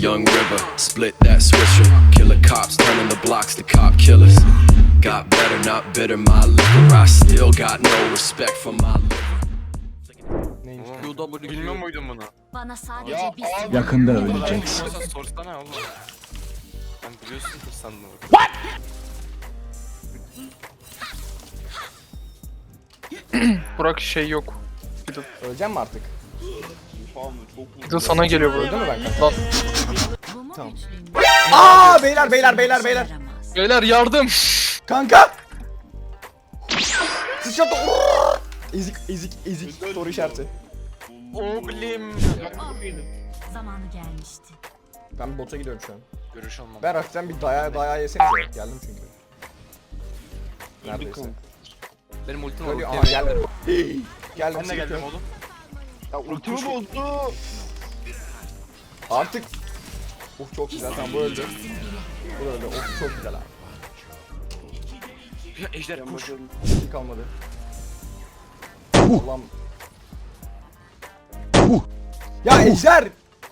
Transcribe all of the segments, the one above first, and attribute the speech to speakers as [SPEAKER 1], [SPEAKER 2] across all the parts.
[SPEAKER 1] young river, split that swisher. Killer cops turning the blocks to cop killers. Got better, not bitter, my liquor. I still got no respect for my liver.
[SPEAKER 2] Neymiş?
[SPEAKER 3] Bilmiyor muydun bunu?
[SPEAKER 4] Bana sadece bir
[SPEAKER 5] Yakında öleceksin.
[SPEAKER 3] Sorsana oğlum. Ben biliyorsun sandım.
[SPEAKER 2] Burak şey yok.
[SPEAKER 6] Öleceğim mi artık?
[SPEAKER 2] Bir de sana geliyor
[SPEAKER 6] Öldü
[SPEAKER 2] burada.
[SPEAKER 6] mü ben?
[SPEAKER 2] Lan
[SPEAKER 4] bu mu
[SPEAKER 6] Tamam.
[SPEAKER 4] güçlüyüm?
[SPEAKER 6] Aa beyler.
[SPEAKER 2] beyler yardım.
[SPEAKER 6] Kanka! Sıçrattı. Ezik. Soru işareti.
[SPEAKER 3] Oglim.
[SPEAKER 4] Zamanı gelmişti.
[SPEAKER 6] Ben bir bota gidiyorum şu an.
[SPEAKER 3] Görüş olmam.
[SPEAKER 6] Ben hafiften bir dayağı yesenize. Geldim çünkü. Neredeyse.
[SPEAKER 3] Benim ultim var.
[SPEAKER 6] Ölüyor. Aa
[SPEAKER 3] ultim.
[SPEAKER 6] geldim. Geldim.
[SPEAKER 3] Ben de geldim
[SPEAKER 6] sıkıntı yok.
[SPEAKER 3] oğlum.
[SPEAKER 7] Ultimi bozdu.
[SPEAKER 6] Artık. Çok güzel. Tamam bu öldü. Bu da öldü. Çok güzel abi.
[SPEAKER 3] Ya Ejder koş.
[SPEAKER 6] Hiç kalmadı. Allah'ım. Ya Ejder!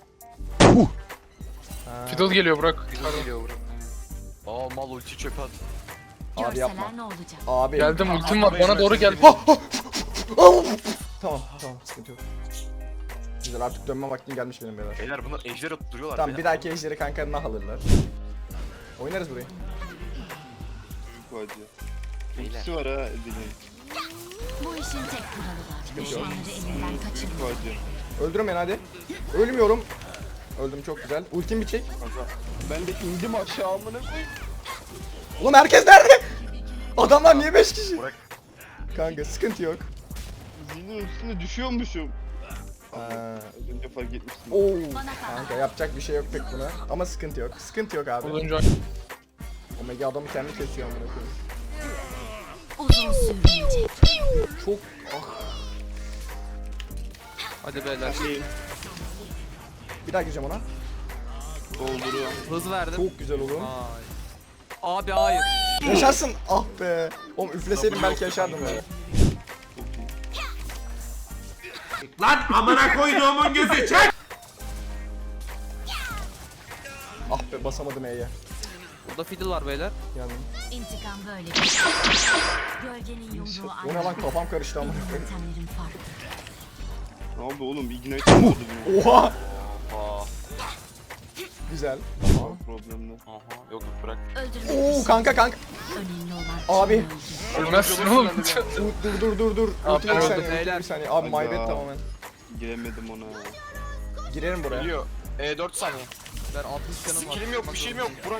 [SPEAKER 2] Fiddle geliyor Burak.
[SPEAKER 3] Güzel geliyor bura. Aa mal ulti çöpe at.
[SPEAKER 6] Abi yapma.
[SPEAKER 4] Görseler ne olacak?
[SPEAKER 6] Abi.
[SPEAKER 2] Geldim ultim var bana doğru gel.
[SPEAKER 6] Tamam sıkıntı yok. Güzel artık dönme vaktim gelmiş benim beyler.
[SPEAKER 3] Beyler bunlar Ejder atıp duruyorlar.
[SPEAKER 6] Tamam bir
[SPEAKER 3] beyler.
[SPEAKER 6] dahaki ejderi kanka nah alırlar. Oynarız burayı.
[SPEAKER 7] Hadi.
[SPEAKER 3] Beyler.
[SPEAKER 7] Ultisi var ha Edil'in.
[SPEAKER 4] Bu işin tek kuralı var. Düşmanları elinden kaçırmak.
[SPEAKER 7] Hadi.
[SPEAKER 6] Öldürün beni hadi. Ölmüyorum. Öldüm çok güzel. Ultim bir çek.
[SPEAKER 7] Ben de indim aşağı amına koyayım.
[SPEAKER 6] Oğlum herkes nerede? Adamlar niye 5 kişi?
[SPEAKER 3] Bırak.
[SPEAKER 6] Kanka sıkıntı yok.
[SPEAKER 7] Zilin üstüne düşüyormuşum.
[SPEAKER 6] Aa,
[SPEAKER 7] Az önce fark etmiştim.
[SPEAKER 6] oo.
[SPEAKER 4] Bana kal.
[SPEAKER 6] Kanka yapacak bir şey yok pek buna. Ama sıkıntı yok. Sıkıntı yok abi.
[SPEAKER 2] Olunca
[SPEAKER 6] Omega adamı kendi kesiyor amına koyayım.
[SPEAKER 4] Uzun sürmeyecek.
[SPEAKER 6] Çok
[SPEAKER 3] Hadi beyler.
[SPEAKER 6] bir daha gireceğim ona.
[SPEAKER 7] Dolduruyor.
[SPEAKER 3] Hız verdim.
[SPEAKER 6] Çok güzel oğlum.
[SPEAKER 3] Abi hayır.
[SPEAKER 6] Yaşarsın. Ah be. Oğlum üfleseydim belki yaşardım ya.
[SPEAKER 8] Lan amına koyduğumun gözü çek!
[SPEAKER 6] Ah be basamadım E'ye.
[SPEAKER 3] Burada fiddle var beyler.
[SPEAKER 6] Yani.
[SPEAKER 4] İntikam böyle bir şey. Gölgenin yumruğu
[SPEAKER 6] O ne lan kafam karıştı amına
[SPEAKER 4] Benim
[SPEAKER 6] koyayım.
[SPEAKER 4] yöntemlerim farklı.
[SPEAKER 7] Ne oldu oğlum? Ignite olmadı bunu.
[SPEAKER 6] Oha.
[SPEAKER 3] Aa.
[SPEAKER 6] Güzel.
[SPEAKER 7] Problemli.
[SPEAKER 3] Aha. Yok bırak.
[SPEAKER 4] Öldürmek
[SPEAKER 6] Oo kanka.
[SPEAKER 4] önemli olan
[SPEAKER 6] Abi.
[SPEAKER 4] kim öldüğü.
[SPEAKER 2] ölmezsin oğlum.
[SPEAKER 6] Dur.
[SPEAKER 2] Abi,
[SPEAKER 6] Ultim bir
[SPEAKER 2] öldüm.
[SPEAKER 6] saniye. Bir saniye. Abi
[SPEAKER 7] Hadi
[SPEAKER 6] my bad
[SPEAKER 7] ya.
[SPEAKER 6] tamamen.
[SPEAKER 7] Giremedim ona.
[SPEAKER 6] Girerim buraya.
[SPEAKER 3] Geliyor. 4 saniye. Ben 60 canım var. Skillim yok, bir şeyim yok. Burak.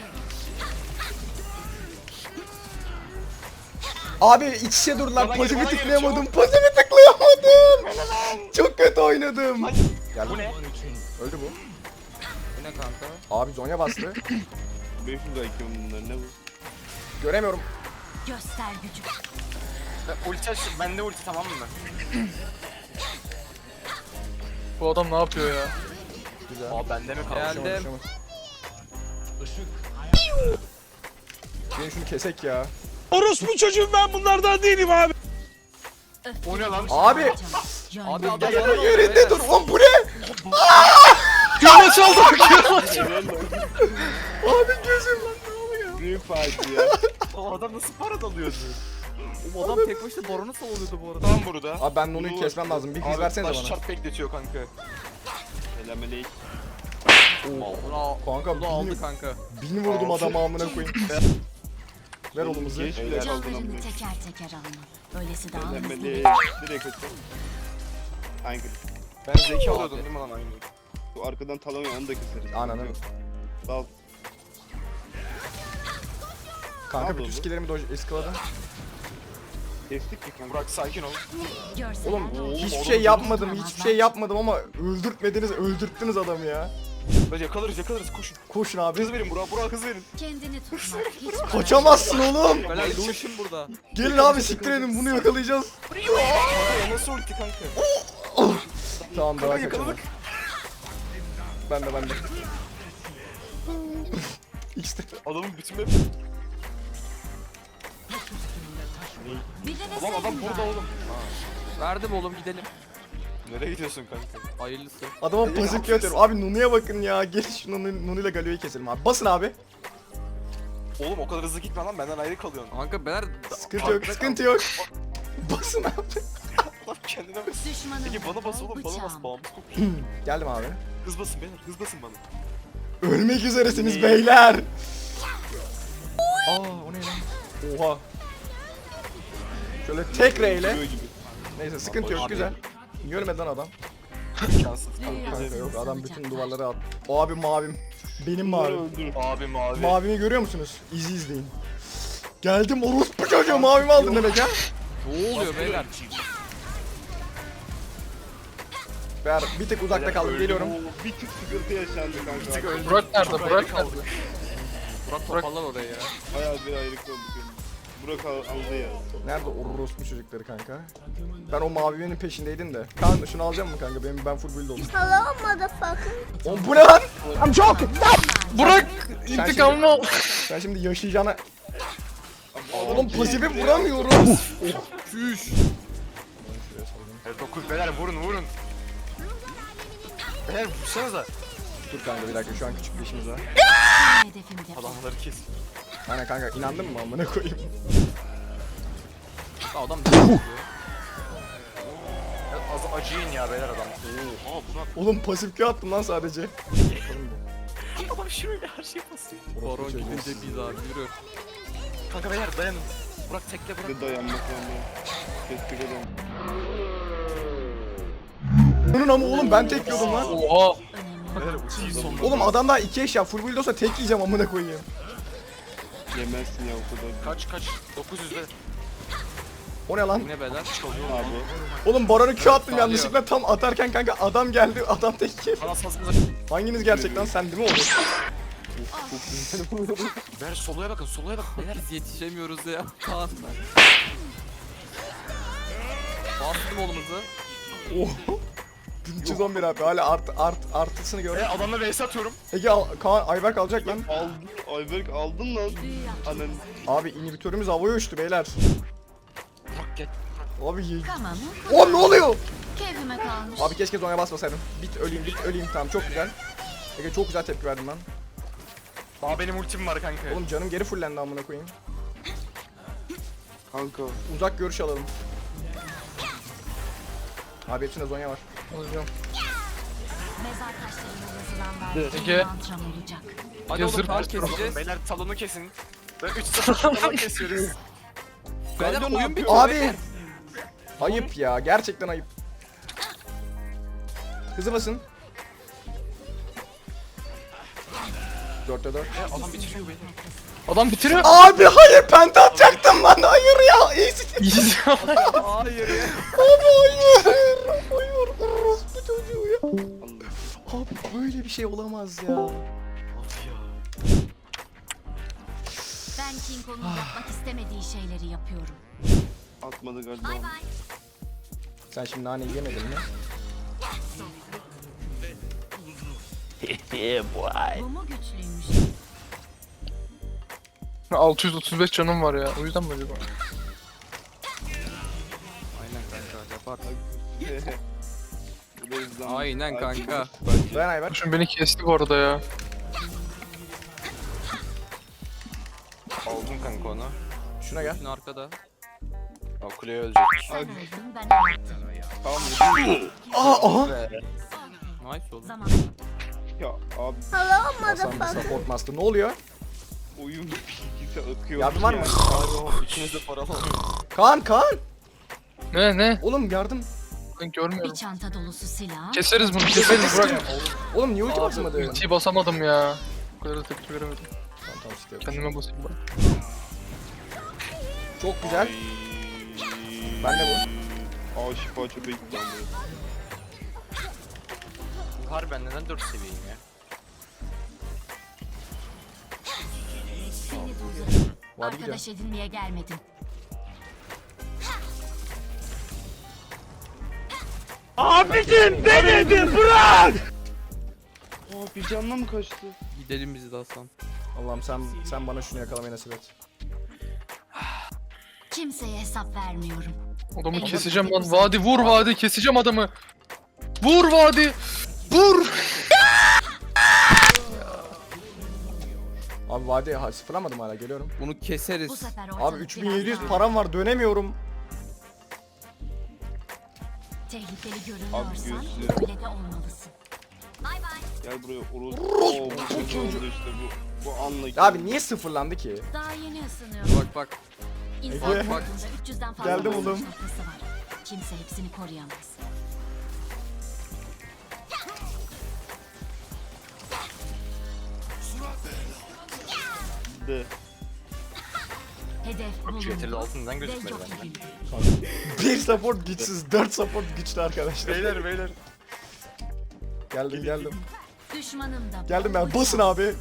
[SPEAKER 6] Abi iç içe durdular.
[SPEAKER 3] Bana
[SPEAKER 6] Pasifi
[SPEAKER 3] gel, bana gel,
[SPEAKER 6] tıklayamadım. Pasifi tıklayamadım. Çok kötü oynadım. Geldim.
[SPEAKER 3] Bu ne?
[SPEAKER 6] Öldü bu.
[SPEAKER 3] Bu ne kanka?
[SPEAKER 6] Abi Zonya bastı.
[SPEAKER 7] 500 IQ bunlar ne bu?
[SPEAKER 6] Göremiyorum.
[SPEAKER 4] Göster gücü.
[SPEAKER 3] Ulti aç, bende ulti tamam mı?
[SPEAKER 2] Bu adam ne yapıyor ya?
[SPEAKER 6] Güzel.
[SPEAKER 3] Aa bende mi kaldı?
[SPEAKER 6] Geldim. Gelin şunu kesek ya.
[SPEAKER 8] Orospu çocuğum ben bunlardan değilim abi.
[SPEAKER 3] O ne lan?
[SPEAKER 6] Abi.
[SPEAKER 3] Abi adam
[SPEAKER 6] Gel yerinde dur. Oğlum bu ne?
[SPEAKER 2] Kıyama çaldı.
[SPEAKER 6] Abi gözüm lan ne oluyor?
[SPEAKER 7] Büyük facia.
[SPEAKER 3] O adam nasıl para dalıyordu? O adam tek başına baronu savunuyordu bu arada. Tam burada.
[SPEAKER 6] Abi ben onu kesmem lazım. Bir hız versenize bana.
[SPEAKER 3] Şart bekletiyor kanka.
[SPEAKER 7] Selamünaleyküm.
[SPEAKER 6] Kanka
[SPEAKER 3] Bu aldı kanka.
[SPEAKER 6] bin vurdum adama amına koyayım. Ver oğlumuzu.
[SPEAKER 7] Geç bile kaldın
[SPEAKER 4] Canlarını
[SPEAKER 7] amına.
[SPEAKER 4] teker teker alma. Öylesi daha hızlı.
[SPEAKER 7] Selamünaleyküm. Direkt atıyor. Hangi?
[SPEAKER 3] Ben zeki alıyordum değil mi lan aynı?
[SPEAKER 7] Bu arkadan talamıyor onu da keseriz.
[SPEAKER 6] Ananı.
[SPEAKER 7] Dal.
[SPEAKER 6] Kanka
[SPEAKER 7] Al
[SPEAKER 6] bütün
[SPEAKER 7] oğlum.
[SPEAKER 6] skillerimi eskaladım.
[SPEAKER 7] Kestik mi kanka?
[SPEAKER 3] Burak sakin ol.
[SPEAKER 4] Görseler
[SPEAKER 6] Oğlum
[SPEAKER 4] ne olacak?
[SPEAKER 6] hiçbir şey yapmadım. Hiçbir şey yapmadım ama öldürttünüz adamı ya.
[SPEAKER 3] Hadi yakalarız koşun.
[SPEAKER 6] Koşun abi.
[SPEAKER 3] Hız verin Burak hız verin.
[SPEAKER 4] Kendini tutmak hiç
[SPEAKER 6] Kaçamazsın oğlum.
[SPEAKER 3] Beyler Lucian burada.
[SPEAKER 6] Gelin abi siktir edin bunu yakalayacağız.
[SPEAKER 3] Kanka nasıl ulti kanka?
[SPEAKER 6] Tamam daha kaçalım.
[SPEAKER 3] yakaladık.
[SPEAKER 6] Ben de. İşte.
[SPEAKER 3] Adamın bütün map.
[SPEAKER 4] Bir de
[SPEAKER 3] Ulan adam
[SPEAKER 4] deseydin
[SPEAKER 3] burada
[SPEAKER 4] bari.
[SPEAKER 3] oğlum. Verdim oğlum gidelim. Nereye gidiyorsun kanka?
[SPEAKER 5] Hayırlısı.
[SPEAKER 6] Adama pasif Q atıyorum. Abi Nunu'ya bakın ya. Gel şu Nunu ile Galio'yu keselim abi. Basın abi.
[SPEAKER 3] Oğlum o kadar hızlı gitme lan benden ayrı kalıyorsun.
[SPEAKER 5] Kanka beyler...
[SPEAKER 6] Sıkıntı yok, sıkıntı yok. Basın abi.
[SPEAKER 3] Lan kendine bas.
[SPEAKER 4] Düşmanın
[SPEAKER 3] Peki bana bas oğlum bana bas. Bağımız kokuyor.
[SPEAKER 6] Geldim abi.
[SPEAKER 3] Hız basın beyler hız basın bana.
[SPEAKER 6] Ölmek üzeresiniz beyler. Aa o ne lan? Oha. Şöyle tek reyle.
[SPEAKER 7] Böyle gibi.
[SPEAKER 6] Neyse sıkıntı yok, güzel. Görmedi lan adam.
[SPEAKER 3] İmkansız.
[SPEAKER 6] Kanka yok, adam bütün duvarları at. O abi mavim. Benim mavim.
[SPEAKER 7] Öldür.
[SPEAKER 3] Abim abi.
[SPEAKER 6] Mavimi görüyor musunuz? İzi izleyin. Geldim orospu çocuğu, mavimi aldın demek ha.
[SPEAKER 5] Ne oluyor beyler?
[SPEAKER 6] Ver bir tık uzakta kaldım, geliyorum.
[SPEAKER 7] Oo, bir tık sıkıntı yaşandı kanka.
[SPEAKER 2] Burak nerede? Burak nerede?
[SPEAKER 5] Burak toparlar oraya ya.
[SPEAKER 7] Bayağı bir ayrık olduk yani. Burak aldı ya.
[SPEAKER 6] Nerede orospu çocukları kanka? Ben o mavinin peşindeydim de. Kan şunu alacağım mı kanka? Ben full build oldum.
[SPEAKER 4] Hello motherfucker.
[SPEAKER 6] Oğlum bu ne lan?
[SPEAKER 2] Burak! İntikamımı al.
[SPEAKER 6] Sen şimdi yaşayacağına... Oğlum pasifi vuramıyorum.
[SPEAKER 5] Çüş.
[SPEAKER 3] Evet 9 beyler vurun. Beyler vursanıza.
[SPEAKER 6] Dur kanka bir dakika, şu an küçük bir işimiz var.
[SPEAKER 4] Hedefimde.
[SPEAKER 3] Adamları kes.
[SPEAKER 6] Aynen kanka, inandın mı amına koyayım?
[SPEAKER 5] Adam
[SPEAKER 3] Az acıyın ya beyler adam. Oha buna.
[SPEAKER 6] Oğlum pasif Q attım lan sadece.
[SPEAKER 3] Adam şuraya her şey basıyor.
[SPEAKER 5] Baron gidince biz abi yürü.
[SPEAKER 3] Kanka beyler dayanın. Burak tekle bırak.
[SPEAKER 7] Bir dayanmak zorunda. Keşke dayan.
[SPEAKER 6] Bunun ama oğlum ben tek yiyordum lan.
[SPEAKER 2] Oha!
[SPEAKER 3] Beyler uçuyu sonunda.
[SPEAKER 6] Oğlum adam daha 2 eşya full build olsa tek yiyeceğim amına koyayım.
[SPEAKER 7] Yemezsin ya o kadar.
[SPEAKER 3] Kaç 900 beyler.
[SPEAKER 6] O ne lan?
[SPEAKER 5] Yine beyler.
[SPEAKER 7] Abi.
[SPEAKER 6] Oğlum Baron'u Q attım
[SPEAKER 5] Sağlıyor.
[SPEAKER 6] yanlışlıkla, tam atarken kanka adam geldi, adam tek yedi.
[SPEAKER 3] Bana sazınıza.
[SPEAKER 6] Hanginiz gerçekten, sen değil mi oğlum?
[SPEAKER 3] Beyler soluya bakın beyler.
[SPEAKER 5] Biz yetişemiyoruz ya. Kaan. Bastım oğlumuzu.
[SPEAKER 6] Oh. 1311 abi, hala artısını gör.
[SPEAKER 3] Adamla vs atıyorum.
[SPEAKER 6] Ege Kaan Ayberk alacak lan.
[SPEAKER 7] Aldın. Ayberk aldın lan. Anan.
[SPEAKER 6] Abi inhibitörümüz havaya uçtu beyler.
[SPEAKER 3] Burak gel.
[SPEAKER 6] Abi
[SPEAKER 4] Tamam.
[SPEAKER 6] O ne oluyor?
[SPEAKER 4] Keyfime kalmış.
[SPEAKER 6] Abi keşke zonya basmasaydım. Bit öleyim tamam, çok güzel. Ege çok güzel tepki verdin lan.
[SPEAKER 3] Daha benim ultim var kanka.
[SPEAKER 6] Oğlum canım geri fullendi amına koyayım.
[SPEAKER 7] Kanka.
[SPEAKER 6] Uzak görüş alalım. Abi hepsinde zonya var.
[SPEAKER 2] Alacağım.
[SPEAKER 4] Mezar taşlarına yazılan
[SPEAKER 2] Ege.
[SPEAKER 4] verdiğim mantram olacak.
[SPEAKER 5] Hadi
[SPEAKER 2] Yazır
[SPEAKER 5] oğlum Kaan
[SPEAKER 2] başlıyor.
[SPEAKER 5] keseceğiz.
[SPEAKER 3] Beyler talonu kesin. Ben 3 talonu kesiyoruz.
[SPEAKER 5] Beyler
[SPEAKER 7] Kanka,
[SPEAKER 5] oyun bitiyor.
[SPEAKER 6] Abi! Ayıp ya, gerçekten ayıp. Hızlı basın. 4'te 4.
[SPEAKER 3] Adam bitiriyor beni.
[SPEAKER 2] Adam bitiriyor.
[SPEAKER 6] Abi hayır, penta atacaktım lan, hayır ya.
[SPEAKER 2] İyiyiz ya.
[SPEAKER 5] Hayır ya.
[SPEAKER 6] Abi hayır. Hayır, orospu çocuğu ya. Abi böyle bir şey olamaz ya.
[SPEAKER 4] Ben King Kong'un yapmak istemediği şeyleri yapıyorum.
[SPEAKER 7] Atmadı galiba.
[SPEAKER 4] Bay bay.
[SPEAKER 6] Sen şimdi nane yemedin mi?
[SPEAKER 4] Bu mu güçlüymüş?
[SPEAKER 2] 635 canım var ya. O yüzden mi acaba?
[SPEAKER 5] Aynen kanka yapar.
[SPEAKER 7] Bu da hızlandı.
[SPEAKER 5] Aynen kanka.
[SPEAKER 6] Ben Ayberk.
[SPEAKER 2] Şimdi beni kesti bu arada ya.
[SPEAKER 3] Aldım kanka onu.
[SPEAKER 6] Şuna gel.
[SPEAKER 5] Şimdi arkada.
[SPEAKER 3] Aa, kuleye ölecek.
[SPEAKER 4] Sen öldün, ben hayatım.
[SPEAKER 3] Tamam
[SPEAKER 6] Aha.
[SPEAKER 5] Nice oldu.
[SPEAKER 4] Zaman.
[SPEAKER 7] Ya abi
[SPEAKER 6] Hasan bir support master. Ne oluyor?
[SPEAKER 7] oyun ikisi akıyor.
[SPEAKER 6] Yardım var mı?
[SPEAKER 3] İkimiz de paralı.
[SPEAKER 6] Kaan.
[SPEAKER 2] Ne?
[SPEAKER 6] Oğlum yardım.
[SPEAKER 2] Ben
[SPEAKER 4] Bir
[SPEAKER 2] görmüyorum.
[SPEAKER 4] çanta dolusu silah.
[SPEAKER 2] Keseriz bunu, keseriz Burak.
[SPEAKER 6] Oğlum niye ulti basmadı?
[SPEAKER 2] Ultiyi basamadım ya. Bu kadar da tepki veremedim.
[SPEAKER 6] Tamam işte.
[SPEAKER 2] Kendime basayım bak.
[SPEAKER 6] Çok güzel. Ben de
[SPEAKER 7] Aa şifa çöpe gitti lan bu.
[SPEAKER 3] Harbiden neden 4 seviyeyim ya?
[SPEAKER 4] Seni durdurun.
[SPEAKER 6] Vadi gidiyor.
[SPEAKER 4] Arkadaş edinmeye gelmedim.
[SPEAKER 7] Aa bir canla mı kaçtı?
[SPEAKER 5] Gidelim biz de Hasan.
[SPEAKER 6] Allah'ım sen bana şunu yakalamayı nasip et.
[SPEAKER 4] Kim Kimseye hesap vermiyorum.
[SPEAKER 2] Adamı keseceğim lan. Vadi vur vadi. Keseceğim adamı. Vur vadi. Vur.
[SPEAKER 6] Abi vadi sıfırlamadım hala, geliyorum.
[SPEAKER 5] Bunu
[SPEAKER 4] Bu
[SPEAKER 5] keseriz.
[SPEAKER 4] sefer
[SPEAKER 6] Abi
[SPEAKER 4] ortalık
[SPEAKER 6] 3700
[SPEAKER 4] biraz daha
[SPEAKER 6] param var, dönemiyorum.
[SPEAKER 4] tehlikeli görünüyorsan
[SPEAKER 7] gözlüğü.
[SPEAKER 4] öyle de olmalısın. Bay bay.
[SPEAKER 7] Gel buraya Oruz. Oo, bu kötü oldu işte bu. Bu anla.
[SPEAKER 6] Abi niye sıfırlandı ki?
[SPEAKER 4] Daha yeni ısınıyorum.
[SPEAKER 5] Bak bak.
[SPEAKER 4] İnsan
[SPEAKER 6] Ege.
[SPEAKER 4] vücudunda 300'den fazla
[SPEAKER 6] Geldim
[SPEAKER 4] basınç
[SPEAKER 6] oğlum.
[SPEAKER 4] noktası var. Kimse hepsini koruyamaz.
[SPEAKER 7] De.
[SPEAKER 4] Hedef bulundu
[SPEAKER 3] altından
[SPEAKER 4] ve yok edildi.
[SPEAKER 6] Bir support güçsüz, 4 support güçlü arkadaşlar.
[SPEAKER 3] Beyler.
[SPEAKER 6] Geldim.
[SPEAKER 4] Düşmanım da
[SPEAKER 6] Geldim ben.
[SPEAKER 4] bol
[SPEAKER 6] Basın
[SPEAKER 4] şans.
[SPEAKER 6] abi.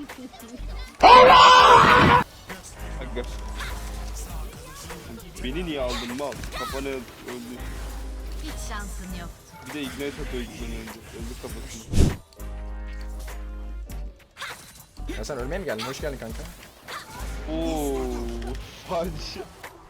[SPEAKER 7] Aga. Beni niye aldın mal? Kafanı öldü.
[SPEAKER 4] Hiç şansın yok.
[SPEAKER 7] Bir de ignite atıyor ikiden önce. Öldü kafasını.
[SPEAKER 6] Ya sen ölmeye mi geldin? Hoş geldin kanka.
[SPEAKER 7] Ooo. Padişah.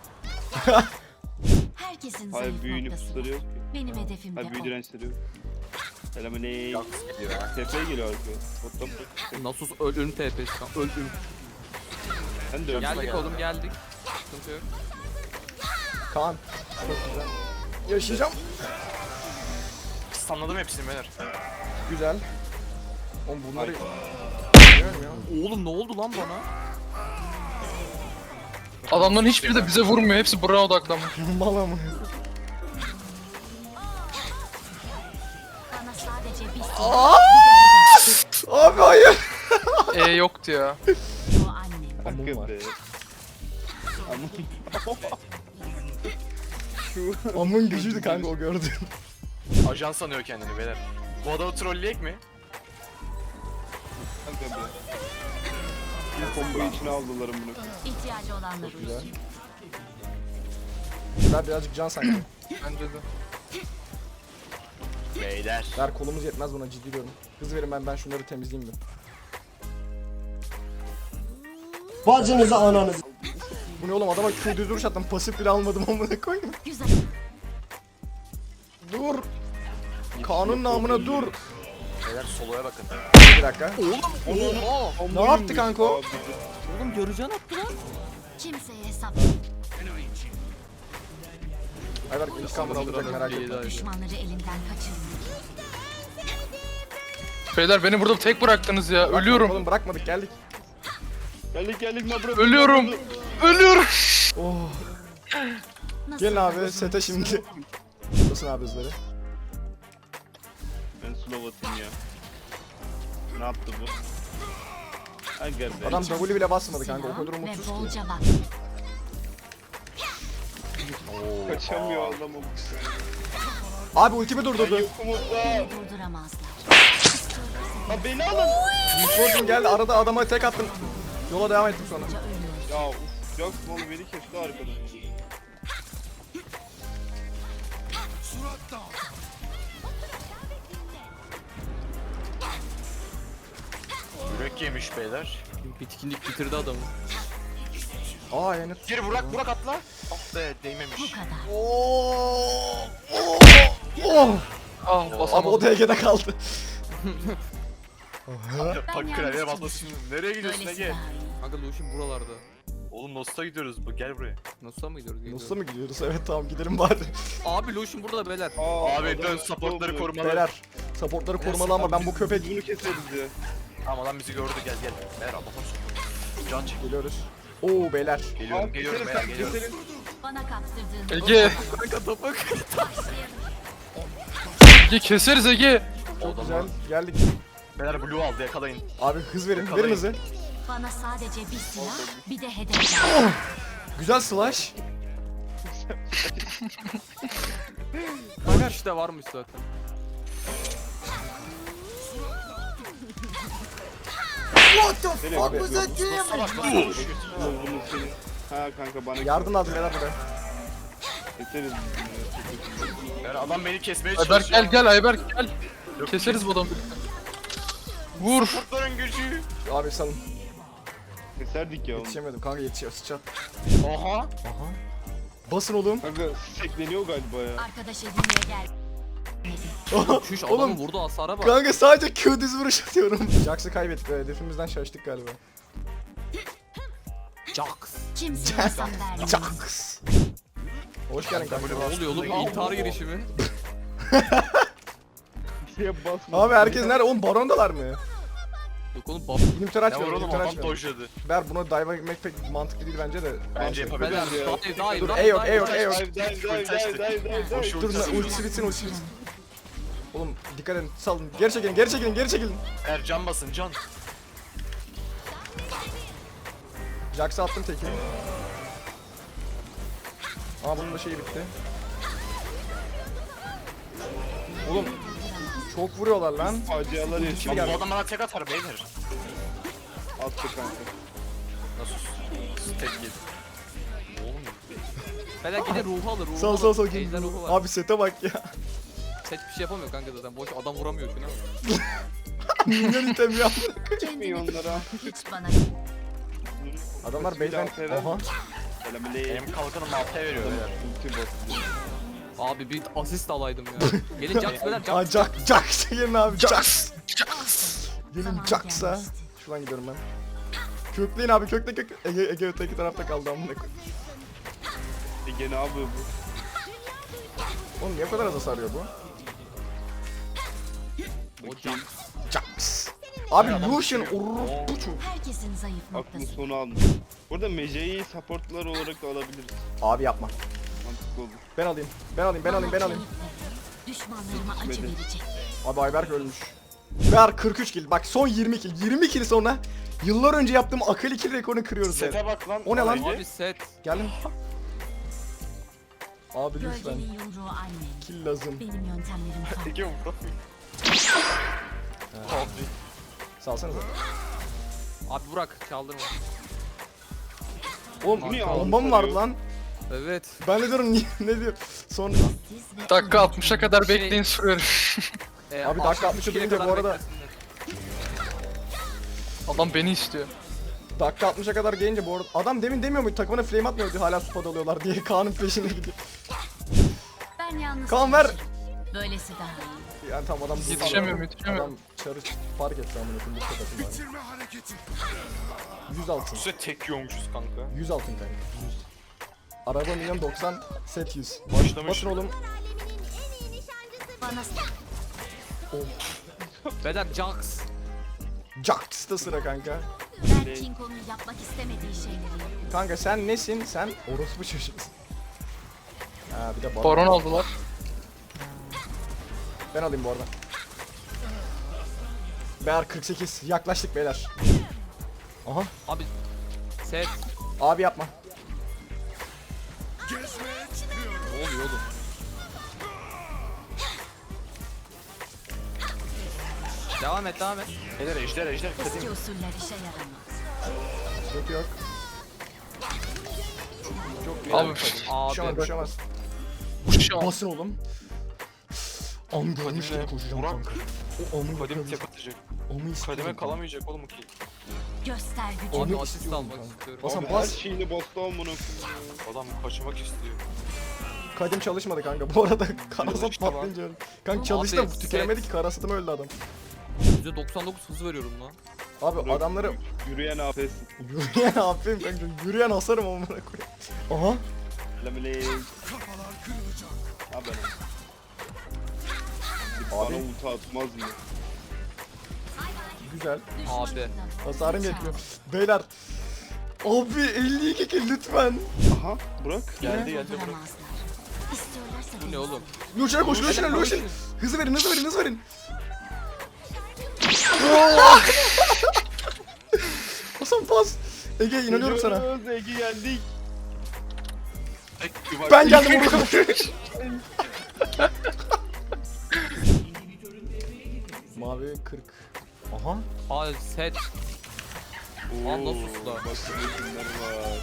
[SPEAKER 4] Herkesin
[SPEAKER 7] Hayır
[SPEAKER 4] zayıf
[SPEAKER 7] büyü
[SPEAKER 4] noktası
[SPEAKER 7] nüfusları
[SPEAKER 4] var.
[SPEAKER 7] yok ki.
[SPEAKER 4] Benim hedefim de
[SPEAKER 7] Hayır büyü
[SPEAKER 4] o.
[SPEAKER 7] dirençleri yok. Selamünaleyküm. Tepeye geliyor arkaya. Bottom.
[SPEAKER 5] Nasus ölüm TP şu an. Öldüm.
[SPEAKER 7] Sen de öldün.
[SPEAKER 5] Geldik oğlum geldik. Sıkıntı yok.
[SPEAKER 6] Kaan. Çok güzel. Yaşayacağım.
[SPEAKER 3] Sanladım hepsini beyler.
[SPEAKER 6] Güzel. Oğlum bunları... Bilmiyorum ya.
[SPEAKER 5] Oğlum ne oldu lan bana?
[SPEAKER 2] Adamların hiçbiri de bize vurmuyor. Hepsi buraya odaklanmış.
[SPEAKER 6] Mala mı?
[SPEAKER 4] Bana sadece bir
[SPEAKER 6] Abi hayır.
[SPEAKER 2] Yoktu ya.
[SPEAKER 4] o annem.
[SPEAKER 6] Amum
[SPEAKER 7] Hakkı
[SPEAKER 6] var.
[SPEAKER 7] be.
[SPEAKER 6] Amun gücüydü kanka o gördün.
[SPEAKER 3] Ajan sanıyor kendini beyler. Bu adamı trolleyek mi?
[SPEAKER 7] Kanka be. Bir combo içine aldılar bunu.
[SPEAKER 4] İhtiyacı olanlar
[SPEAKER 6] Güzel.
[SPEAKER 4] uysun.
[SPEAKER 6] Güzel, birazcık can sanki.
[SPEAKER 2] Bence de.
[SPEAKER 3] Beyler.
[SPEAKER 6] Ver, kolumuz yetmez buna, ciddi diyorum. Hız verin, ben şunları temizleyeyim bir.
[SPEAKER 9] Bacınızı ananızı.
[SPEAKER 6] Bu ne oğlum, adama Q düz duruş attım, pasif bile almadım amına koyayım.
[SPEAKER 4] Güzel.
[SPEAKER 6] Dur. Kanun namına dur.
[SPEAKER 3] Beyler soloya bakın.
[SPEAKER 6] Bir dakika.
[SPEAKER 5] Oha!
[SPEAKER 6] Ne yaptı kanka o?
[SPEAKER 5] Oğlum göreceğin attı lan.
[SPEAKER 4] Kimseye hesap
[SPEAKER 6] Ayber intikamını alacak, merak etme.
[SPEAKER 4] düşmanları elinden kaçırma.
[SPEAKER 2] Beyler beni burada tek bıraktınız ya. Ölüyorum.
[SPEAKER 6] Oğlum bırakmadık, geldik.
[SPEAKER 7] Geldik Nabra.
[SPEAKER 2] Ölüyorum. Ölüyorum.
[SPEAKER 6] Oh.
[SPEAKER 4] Nasıl
[SPEAKER 6] Gelin abi
[SPEAKER 4] uzun
[SPEAKER 6] sete şimdi. Nasılsın abi hızları?
[SPEAKER 7] Ben slow atayım ya. Ne yaptı bu? Aga be.
[SPEAKER 6] Adam W bile basmadı kanka, o
[SPEAKER 4] silah
[SPEAKER 6] kadar
[SPEAKER 4] ve
[SPEAKER 6] umutsuz ki.
[SPEAKER 4] bolca vakit.
[SPEAKER 7] Kaçamıyor adam o.
[SPEAKER 6] Abi ultimi durdurdu.
[SPEAKER 7] Yokumuzda.
[SPEAKER 4] Durduramazlar.
[SPEAKER 7] Ha beni alın.
[SPEAKER 6] Fortune geldi, arada adama tek attım. Yola devam ettim sonra.
[SPEAKER 7] Ya uf. Jax malı beni kesti arkadan.
[SPEAKER 3] Yürek yemiş beyler.
[SPEAKER 5] Bitkinlik bitirdi adamı.
[SPEAKER 6] Aa yani.
[SPEAKER 3] Geri Burak atla. Ah be değmemiş.
[SPEAKER 4] Bu kadar.
[SPEAKER 6] Oh.
[SPEAKER 2] Ah
[SPEAKER 6] Abi o
[SPEAKER 2] basamadım.
[SPEAKER 6] DG'de kaldı.
[SPEAKER 3] Bak klavyeye basmasın. Nereye gidiyorsun
[SPEAKER 4] Böylesi
[SPEAKER 3] Ege?
[SPEAKER 4] daha iyi.
[SPEAKER 5] Kanka Lucian buralarda.
[SPEAKER 3] Oğlum Nost'a gidiyoruz. Gel buraya.
[SPEAKER 5] Nasıl'a mı gidiyoruz?
[SPEAKER 6] Nasıl mı gidiyoruz? Evet tamam, gidelim bari.
[SPEAKER 5] Abi Lucian burada beyler.
[SPEAKER 3] Abi
[SPEAKER 7] adam
[SPEAKER 3] dön supportları korumalı.
[SPEAKER 6] Beyler, supportları korumalı ama ben bu köpek...
[SPEAKER 7] Bunu keseriz ya.
[SPEAKER 3] Tamam adam bizi gördü gel. Beyler Allah'tan sonra. Can çek.
[SPEAKER 6] Geliyoruz. Oo beyler.
[SPEAKER 3] Geliyorum
[SPEAKER 7] Keselim
[SPEAKER 3] beyler
[SPEAKER 7] sen
[SPEAKER 3] geliyorum.
[SPEAKER 7] keselim.
[SPEAKER 4] Bana kaptırdığın
[SPEAKER 2] Ege.
[SPEAKER 5] Kanka topak.
[SPEAKER 2] Ege keseriz Ege.
[SPEAKER 6] Çok güzel. Geldik.
[SPEAKER 3] Beyler Blue aldı yakalayın.
[SPEAKER 6] Abi hız verin.
[SPEAKER 3] Yakalayın.
[SPEAKER 6] Verin hızı.
[SPEAKER 4] bana sadece bir silah, bir de hedef var.
[SPEAKER 6] Güzel slash.
[SPEAKER 5] Kanka işte varmış zaten.
[SPEAKER 6] Abi
[SPEAKER 7] Bunu senin. Ha kanka bana
[SPEAKER 6] yardım lazım beyler buraya.
[SPEAKER 7] keseriz.
[SPEAKER 3] Beyler adam beni kesmeye
[SPEAKER 2] Ayberk
[SPEAKER 3] çalışıyor.
[SPEAKER 2] gel Ayberk gel. Keseriz bu adamı. Vur.
[SPEAKER 3] Kurtların gücü.
[SPEAKER 6] Abi salın.
[SPEAKER 7] Keserdik ya onu.
[SPEAKER 6] Yetişemedim kanka, yetişiyor. Sıçrat.
[SPEAKER 3] Oha.
[SPEAKER 6] Aha. Basın oğlum.
[SPEAKER 7] Kanka tekleniyor galiba ya.
[SPEAKER 4] Arkadaş edinmeye gel.
[SPEAKER 5] Şuş
[SPEAKER 6] Oğlum.
[SPEAKER 5] adamın vurduğu hasara bak.
[SPEAKER 6] Kanka sadece Q düz vuruş atıyorum. Jax'ı kaybettik. Hedefimizden şaştık galiba.
[SPEAKER 5] Jax.
[SPEAKER 4] Kimse hesap vermez.
[SPEAKER 6] Jax. Hoş geldin kanka.
[SPEAKER 5] Ne oluyor oğlum? İntihar girişimi.
[SPEAKER 7] Şeye basma.
[SPEAKER 6] Abi herkes nerede? Oğlum barondalar mı?
[SPEAKER 5] Yok oğlum bab.
[SPEAKER 6] İnhibitor
[SPEAKER 3] Ya
[SPEAKER 6] açmıyorum.
[SPEAKER 3] oğlum
[SPEAKER 6] İnhibitor
[SPEAKER 3] adam
[SPEAKER 6] açmıyorum.
[SPEAKER 3] dojladı.
[SPEAKER 6] Ber buna dive etmek pek mantıklı değil bence de.
[SPEAKER 3] Bence
[SPEAKER 5] Beyler
[SPEAKER 3] yapabiliriz ya.
[SPEAKER 5] dive.
[SPEAKER 6] Dur E yok E yok E yok.
[SPEAKER 3] Boşu
[SPEAKER 6] Dur ultisi bitsin ultisi bitsin. Oğlum dikkat edin salın. Geri çekilin geri çekilin geri çekilin.
[SPEAKER 3] Can basın can.
[SPEAKER 6] Jax'a attım teki. Aa bunun da şeyi bitti. Oğlum çok vuruyorlar lan.
[SPEAKER 7] Facialar
[SPEAKER 6] Kim
[SPEAKER 7] yaşıyor.
[SPEAKER 6] geldi?
[SPEAKER 3] Bu adam bana tek atar beyler.
[SPEAKER 7] Attı kanka.
[SPEAKER 3] Nasıl? Tek yedi.
[SPEAKER 5] Beyler gidin ruhu alır. Ruhu
[SPEAKER 6] Sağ
[SPEAKER 5] alır.
[SPEAKER 6] sağ
[SPEAKER 5] Ejder ruhu var.
[SPEAKER 6] Abi sete bak ya.
[SPEAKER 5] Set bir şey yapamıyor kanka zaten. Boş adam vuramıyor şuna.
[SPEAKER 6] Minyon item ya.
[SPEAKER 4] Kendini
[SPEAKER 7] onlara.
[SPEAKER 4] hiç bana
[SPEAKER 6] Adamlar base'den... Oha.
[SPEAKER 3] Benim kalkanım altıya veriyor beyler.
[SPEAKER 7] Ulti bastı.
[SPEAKER 5] Abi bir asist alaydım ya. Gelin Jax beyler
[SPEAKER 6] Aa
[SPEAKER 5] Jax.
[SPEAKER 6] Jax gelin abi Jax. Gelin
[SPEAKER 4] zaman
[SPEAKER 6] Jax'a.
[SPEAKER 4] gelmişti.
[SPEAKER 6] Şuradan gidiyorum ben. Kökleyin abi kökle kök. Ege öteki tarafta kaldı amına koyayım.
[SPEAKER 7] Ege ne yapıyor bu?
[SPEAKER 6] Oğlum niye bu kadar az hasar yiyor bu?
[SPEAKER 5] O Jax.
[SPEAKER 6] Jax. Abi Lucian bu çok.
[SPEAKER 4] Herkesin zayıf
[SPEAKER 7] Aklın
[SPEAKER 4] noktası.
[SPEAKER 7] sonu almış. Burada Mece'yi supportlar olarak da alabiliriz.
[SPEAKER 6] Abi yapma.
[SPEAKER 7] Mantıklı olur.
[SPEAKER 6] Ben alayım. Ben alayım ben alayım ben alayım.
[SPEAKER 4] Düşmanlarıma acı verecek.
[SPEAKER 6] Abi Ayberk ölmüş. Ver 43 kill. Bak son 20 kill. 20 kill sonra yıllar önce yaptığım akıllı kill rekorunu kırıyoruz ya.
[SPEAKER 3] Sete bak lan.
[SPEAKER 6] O ne lan?
[SPEAKER 5] Abi set.
[SPEAKER 6] Geldim. Abi lütfen.
[SPEAKER 4] Gölgenin yumruğu annen.
[SPEAKER 6] Kill lazım.
[SPEAKER 4] Benim yöntemlerim farklı.
[SPEAKER 3] Ege vurdu.
[SPEAKER 6] Salsanıza.
[SPEAKER 5] Abi Burak çaldırma.
[SPEAKER 6] Oğlum
[SPEAKER 7] Bu ne ya?
[SPEAKER 6] bomba mı vardı lan?
[SPEAKER 5] Evet.
[SPEAKER 6] Ben de diyorum niye ne diyor? Sonra
[SPEAKER 4] Siz ve
[SPEAKER 2] Dakika 60'a kadar bekleyin sürüyorum.
[SPEAKER 6] Abi dakika 60'ı duyunca bu arada
[SPEAKER 2] Adam beni istiyor.
[SPEAKER 6] dakika 60'a kadar gelince bu arada adam demin demiyor muydu takımına flame atmıyordu hala squad alıyorlar diye Kaan'ın peşine gidiyor.
[SPEAKER 4] ben yalnız
[SPEAKER 6] Kaan ver.
[SPEAKER 4] çalışırım. Böylesi daha iyi.
[SPEAKER 6] Yani tamam adam
[SPEAKER 2] Yetişemiyorum,
[SPEAKER 6] Adam
[SPEAKER 2] yetişemiyorum.
[SPEAKER 6] çarı fark etti amına koyayım bu kadar. 100 altın.
[SPEAKER 3] Size tek yiyormuşuz kanka.
[SPEAKER 6] 100 altın kanka. 100. Araba milyon 90 set 100.
[SPEAKER 3] Başlamış.
[SPEAKER 6] Basın oğlum.
[SPEAKER 4] Bana
[SPEAKER 5] Beyler Jax.
[SPEAKER 6] Jax'ta sıra kanka.
[SPEAKER 4] ben King Kong'un yapmak istemediği şeyleri yapıyorum.
[SPEAKER 6] Kanka sen nesin? Sen orospu çocuğusun. Ha bir de
[SPEAKER 2] Baron aldılar.
[SPEAKER 6] Ben alayım bu arada. Beyler 48 yaklaştık beyler. Aha
[SPEAKER 5] Abi set.
[SPEAKER 6] abi yapma.
[SPEAKER 5] Ne oluyor oğlum? Devam et devam et.
[SPEAKER 3] Ejder ejder ejder.
[SPEAKER 4] Eski usuller işe yaramaz.
[SPEAKER 6] Yok yok.
[SPEAKER 2] Abi
[SPEAKER 6] Düşemez
[SPEAKER 5] Abi.
[SPEAKER 6] düşemez.
[SPEAKER 2] şu an.
[SPEAKER 6] Basın oğlum. Am görmüş gibi koşacağım
[SPEAKER 3] Burak.
[SPEAKER 6] kanka. O amı
[SPEAKER 3] Kademe
[SPEAKER 6] yakaladı.
[SPEAKER 3] tek atacak.
[SPEAKER 6] Amı istiyorum.
[SPEAKER 3] Kademe kalamayacak oğlum ki.
[SPEAKER 4] Göster gücünü.
[SPEAKER 5] Abi
[SPEAKER 6] Onu
[SPEAKER 5] asist
[SPEAKER 6] istiyorum
[SPEAKER 5] almak
[SPEAKER 6] kanka.
[SPEAKER 5] istiyorum.
[SPEAKER 6] Basan
[SPEAKER 7] Abi her
[SPEAKER 6] bas.
[SPEAKER 7] şeyini bastı amına koyayım.
[SPEAKER 3] Adam kaçmak istiyor.
[SPEAKER 6] Kadim çalışmadı kanka. Bu arada karasat
[SPEAKER 3] işte lan.
[SPEAKER 6] patlayınca öldü. Kanka
[SPEAKER 5] Abi,
[SPEAKER 6] çalıştı da
[SPEAKER 5] set.
[SPEAKER 6] tükenemedi ki karasatım öldü adam.
[SPEAKER 5] %99 hızı veriyorum lan.
[SPEAKER 6] Abi adamları
[SPEAKER 7] Yürüyen AP'sin.
[SPEAKER 6] yürüyen yapayım kanka. Yürüyen asarım amına koyayım. Aha.
[SPEAKER 7] Lemele. Haber. Bana
[SPEAKER 6] Abi.
[SPEAKER 7] ulti atmaz mı?
[SPEAKER 6] Güzel.
[SPEAKER 5] Abi.
[SPEAKER 6] Hasarım yetmiyor. Beyler. Abi 52 kill lütfen.
[SPEAKER 7] Aha Burak.
[SPEAKER 3] Geldi geldi bırak.
[SPEAKER 4] Durduramazlar. İstiyorlarsa
[SPEAKER 5] Bu ne
[SPEAKER 4] beni-
[SPEAKER 5] oğlum?
[SPEAKER 6] Lucian'a koş, Lucian'a,
[SPEAKER 5] Helal,
[SPEAKER 6] Lucian.
[SPEAKER 5] Lucian.
[SPEAKER 6] Hızı verin, hızı verin, hızı verin. Hasan pas. Ege inanıyorum sana.
[SPEAKER 7] Geliyoruz, Ege geldik.
[SPEAKER 6] Ben geldim oğlum. Mavi 40. Aha.
[SPEAKER 5] Abi set. Lan nasıl
[SPEAKER 7] Oo,
[SPEAKER 5] usta?
[SPEAKER 7] Bak ne günler var.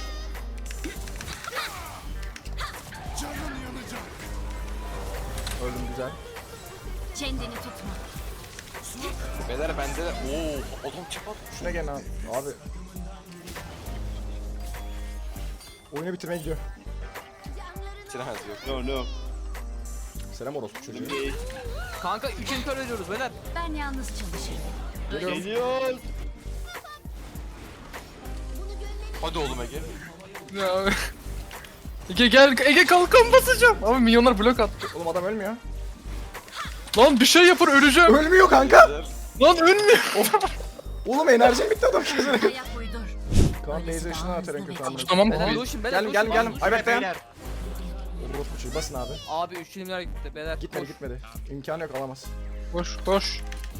[SPEAKER 6] Öldüm güzel.
[SPEAKER 4] Kendini tutma.
[SPEAKER 3] Beyler bende de. Oo adam çap at.
[SPEAKER 6] Şuna gel abi. Abi. Oyunu bitirmeye gidiyor.
[SPEAKER 3] Bitiremez yok.
[SPEAKER 7] No no.
[SPEAKER 6] Selam orospu çocuğu.
[SPEAKER 5] Kanka 3 intihar ediyoruz beyler.
[SPEAKER 4] Ben yalnız çalışırım.
[SPEAKER 7] Geliyoruz.
[SPEAKER 3] Hadi oğlum Ege.
[SPEAKER 2] Ya. Ege gel, Ege kalkan basacağım. Abi milyonlar blok attı.
[SPEAKER 6] Oğlum adam ölmüyor.
[SPEAKER 2] Lan bir şey yapın öleceğim.
[SPEAKER 6] Ölmüyor kanka.
[SPEAKER 2] Lan ölmüyor.
[SPEAKER 6] Oğlum enerjim bitti adam kesin.
[SPEAKER 4] Ayak uydur.
[SPEAKER 6] Kaan beyze ışını atar en kötü anlamda.
[SPEAKER 2] Tamam
[SPEAKER 5] Beyler
[SPEAKER 2] abi.
[SPEAKER 5] Lucian beyler.
[SPEAKER 6] Geldim
[SPEAKER 5] Lucian,
[SPEAKER 6] geldim. Ayberk dayan. Orospu çocuğu basın abi.
[SPEAKER 5] Abi 3 filmler gitti beyler.
[SPEAKER 6] Gitmedi gitmedi. İmkanı yok alamaz.
[SPEAKER 2] Koş koş.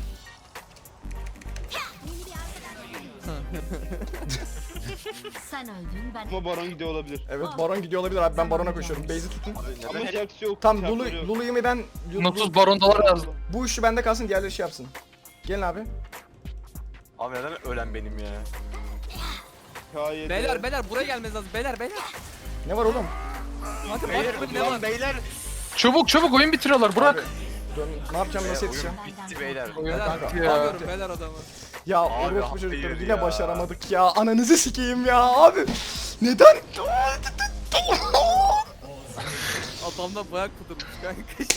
[SPEAKER 4] Sen öldün ben.
[SPEAKER 7] Ama baron gidiyor olabilir.
[SPEAKER 6] Evet baron gidiyor olabilir abi ben barona koşuyorum. Base'i tutun.
[SPEAKER 7] Ama Jax yok.
[SPEAKER 6] Tam
[SPEAKER 7] Çarpları
[SPEAKER 6] Lulu,
[SPEAKER 7] yok.
[SPEAKER 6] Lulu'yu mu ben...
[SPEAKER 2] Notus barondalar yazdım.
[SPEAKER 6] Bu işi bende kalsın diğerleri şey yapsın. Gelin abi.
[SPEAKER 3] Abi neden ölen benim ya?
[SPEAKER 7] K7.
[SPEAKER 5] Beyler buraya gelmeniz lazım. Beyler.
[SPEAKER 6] Ne var oğlum?
[SPEAKER 5] Hadi bak ne var?
[SPEAKER 3] Beyler.
[SPEAKER 2] Çabuk çabuk oyun bitiriyorlar Burak.
[SPEAKER 6] Dön, ne yapacağım nasıl yetişeceğim?
[SPEAKER 3] Bitti beyler.
[SPEAKER 2] Oyun
[SPEAKER 5] Beyler
[SPEAKER 2] bitti ya.
[SPEAKER 5] alıyorum beyler adamı.
[SPEAKER 6] Ya
[SPEAKER 3] Abi,
[SPEAKER 6] orospu
[SPEAKER 3] hak
[SPEAKER 6] çocukları
[SPEAKER 3] veriyor
[SPEAKER 6] yine
[SPEAKER 3] ya.
[SPEAKER 6] başaramadık ya. Ananızı sikeyim ya abi. Neden?
[SPEAKER 5] Adamda bayak kudurmuş kanka.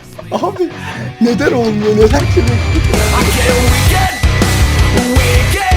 [SPEAKER 6] Abi neden olmuyor? Neden ki?
[SPEAKER 8] We get